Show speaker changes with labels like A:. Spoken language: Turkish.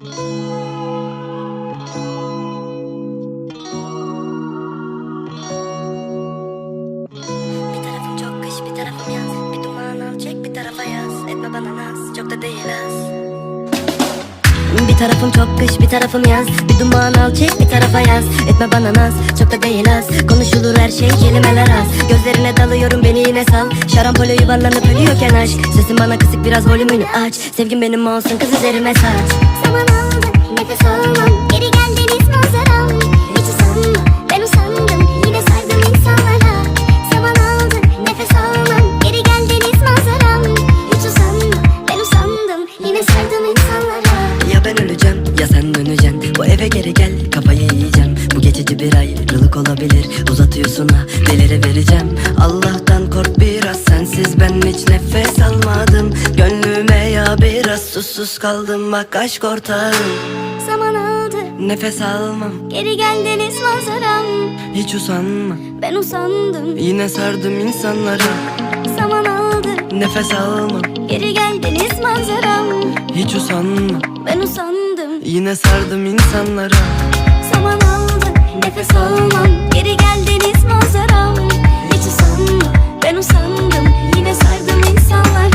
A: Bir tarafım çok kış, bir tarafım yaz. Bir duman al çek, bir tarafa yaz. Etme bana naz, çok da değil az. Bir tarafım çok kış, bir tarafım yaz. Bir duman al çek, bir tarafa yaz. Etme bana naz, çok da değil az. Konuşulur her şey, kelimeler az. Gözlerine dalıyorum, beni yine sal. Şarampole yuvarlanıp ölüyorken aşk. Sesin bana kısık, biraz volümünü aç. Sevgin benim olsun, kız üzerime saç.
B: Zaman aldı, nefes almam. Geri gel deniz manzaram. Hiç usanma, ben usandım. Yine sardım insanlara. Zaman aldı, nefes almam. Geri gel deniz manzaram. Hiç usanma, ben usandım. Yine sardım insanlara.
A: Ya ben öleceğim, ya sen döneceksin. Bu eve geri gel, kafayı yiyeceğim. Bu geçici bir ayrılık olabilir. Uzatıyorsun ha, deliri vereceğim. Allah'tan kork biraz, sensiz ben hiç nefes almadım. Gönlüme ya biraz susuz kaldım, bak aşk ortağım.
B: Zaman aldı,
A: Nefes almam,
B: geri gel deniz manzaram.
A: hiç usanma.
B: Ben usandım.
A: Yine sardım insanları.
B: Zaman aldı,
A: Nefes almam,
B: geri gel deniz manzaram.
A: hiç usanma.
B: Ben usandım.
A: Yine sardım insanları.
B: Zaman aldı, nefes almam. Geri gel deniz manzaram. Hiç usanma, ben usandım. Yine sardım insanlara.